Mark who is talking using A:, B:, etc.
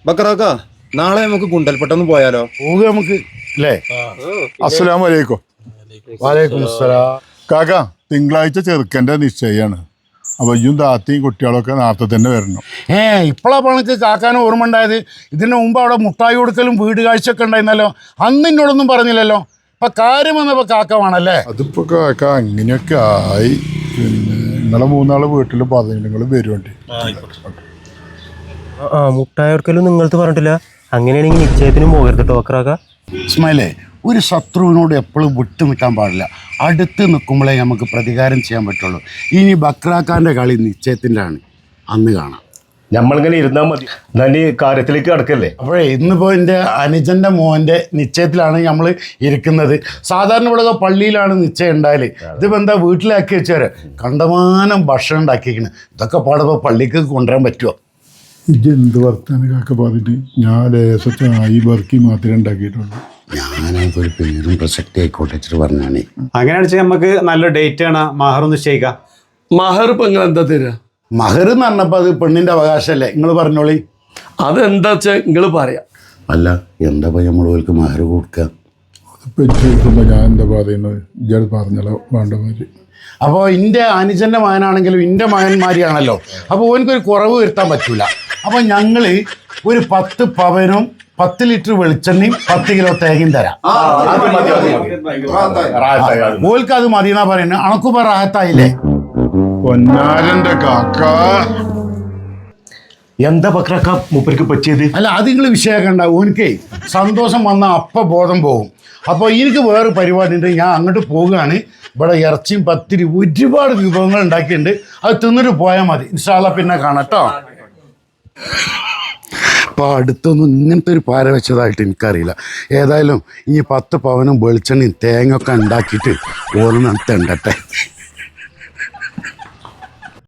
A: ബക്കറാക്ക നാളെ നമുക്ക് ഗുണ്ടൽപ്പെട്ടൊന്ന് പോയാലോ?
B: പോവുക നമുക്ക് അല്ലേ?
C: അസ്സലാമു അലൈക്കും.
B: വലൈക്കും അസ്സലാം.
C: കാക്ക തിങ്കളാഴ്ച ചെറുക്കൻ്റെ നിശ്ചയാണ്. അപ്പോൾ ഇയും താത്തയും കുട്ടികളൊക്കെ നേരത്തെ തന്നെ വരണം.
B: ഇപ്പോഴാണ് പണക്ക് കാക്കാനും ഓർമ്മ ഉണ്ടായത്. ഇതിന് മുമ്പ് അവിടെ മുട്ടായി കൊടുക്കലും വീട് കാഴ്ചയൊക്കെ ഉണ്ടായിരുന്നല്ലോ. അന്ന് എന്നോടൊന്നും പറഞ്ഞില്ലല്ലോ. ഇപ്പൊ കാര്യം വന്നപ്പോ കാക്ക വേണല്ലേ?
C: അതിപ്പോൾ കാക്ക അങ്ങനെയൊക്കെ ആയി. പിന്നെ നിങ്ങളെ മൂന്നാള് വീട്ടിൽ പറഞ്ഞു നിങ്ങൾ വരുവേണ്ടി.
D: മുട്ടായി കൊടുക്കലും നിങ്ങൾക്ക് പറഞ്ഞിട്ടില്ല. അങ്ങനെയാണെങ്കിൽ നിശ്ചയത്തിനും പോകരുത് കേട്ടോ ബക്കറാക്ക.
B: ഇസ്മായിലേ, ഒരു ശത്രുവിനോട് എപ്പോഴും വിട്ടു നിൽക്കാൻ പാടില്ല. അടുത്ത് നിൽക്കുമ്പോഴേ നമുക്ക് പ്രതികാരം ചെയ്യാൻ പറ്റുള്ളൂ. ഇനി ബക്രാക്കാൻ്റെ കളി നിശ്ചയത്തിൻ്റെ ആണ്, അന്ന് കാണാം.
E: നമ്മളിങ്ങനെ ഇരുന്നാൽ മതി. എന്നാൽ ഈ കാര്യത്തിലേക്ക് കിടക്കല്ലേ?
B: അപ്പോഴേ ഇന്നിപ്പോൾ എൻ്റെ അനുജൻ്റെ മോൻ്റെ നിശ്ചയത്തിലാണ് നമ്മൾ ഇരിക്കുന്നത്. സാധാരണ ഇവിടെ പള്ളിയിലാണ് നിശ്ചയം ഉണ്ടായാൽ. ഇതിപ്പോൾ എന്താ വീട്ടിലാക്കി വെച്ചാൽ കണ്ടമാനം ഭക്ഷണം ഉണ്ടാക്കിയിരിക്കുന്നത്. ഇതൊക്കെ പാടുമ്പോൾ പള്ളിക്ക് കൊണ്ടുവരാൻ പറ്റുമോ?
C: ഇതെന്ത് വർത്താനം കാക്ക പറഞ്ഞിട്ട്? ഞാൻ ലേശത്തായി ബർക്കി മാത്രമേ ഉണ്ടാക്കിയിട്ടുള്ളൂ.
B: ഞാനൊക്കെ ഒരു പേരും പ്രസക്തി ആയിക്കോട്ടെ വെച്ചിട്ട് പറഞ്ഞാണേ.
F: അങ്ങനെ വെച്ചാൽ നമുക്ക് നല്ല ഡേറ്റ് ആണ് മഹർ നിശ്ചയിക്കാം.
G: മഹർ ഇപ്പൊ നിങ്ങൾ എന്താ തരാ?
B: മഹർ എന്ന് പറഞ്ഞപ്പോൾ അത് പെണ്ണിൻ്റെ അവകാശമല്ലേ? നിങ്ങൾ പറഞ്ഞോളി.
G: അതെന്താ വെച്ചാൽ നിങ്ങൾ പറയാം.
B: അല്ല, എന്താ നമ്മൾ ഓൾക്ക് മഹർ കൊടുക്കുക?
C: അതിപ്പോൾ ചോദിക്കുമ്പോൾ ഞാൻ എന്താ പറയുന്നത്? ഇയാൾ പറഞ്ഞല്ലോ വേണ്ട മാതിരി.
B: അപ്പോൾ എൻ്റെ അനുജൻ്റെ മകനാണെങ്കിലും എൻ്റെ മകന്മാരിയാണല്ലോ. അപ്പോൾ ഓനക്കൊരു കുറവ് വരുത്താൻ പറ്റൂല. അപ്പോൾ ഞങ്ങൾ ഒരു 10 പവനും 10 ലിറ്റർ വെളിച്ചെണ്ണയും 10 കിലോ തേങ്ങയും തരാം. ഓൽക്ക് അത് മതിയെന്നാ പറയുന്നത്. അണക്കുപ്പ റാഹത്തായില്ലേ?
C: പൊന്നാരൻ്റെ കാക്ക
E: എന്താ ബക്കറാക്ക മൂപ്പർക്ക് പറ്റിയത്?
B: അല്ല, അത് നിങ്ങൾ വിഷയമാക്കണ്ട. ഓനിക്കേ സന്തോഷം വന്ന അപ്പം ബോധം പോകും. അപ്പോൾ എനിക്ക് വേറെ പരിപാടി ഉണ്ട്, ഞാൻ അങ്ങോട്ട് പോവുകയാണ്. ഇവിടെ ഇറച്ചിയും പത്തിരി ഒരുപാട് വിഭവങ്ങൾ ഉണ്ടാക്കിയിട്ടുണ്ട്. അത് തിന്നിട്ട് പോയാൽ മതി. ഇൻഷാ അല്ലാ പിന്നെ കാണാം കേട്ടോ. അപ്പോൾ അടുത്തൊന്നും ഇങ്ങനത്തെ ഒരു പാര വെച്ചതായിട്ട് എനിക്കറിയില്ല. ഏതായാലും ഇനി 10 പവനും വെളിച്ചെണ്ണയും തേങ്ങ ഒക്കെ ഉണ്ടാക്കിയിട്ട് ഓരോന്ന് തെണ്ടട്ടെ.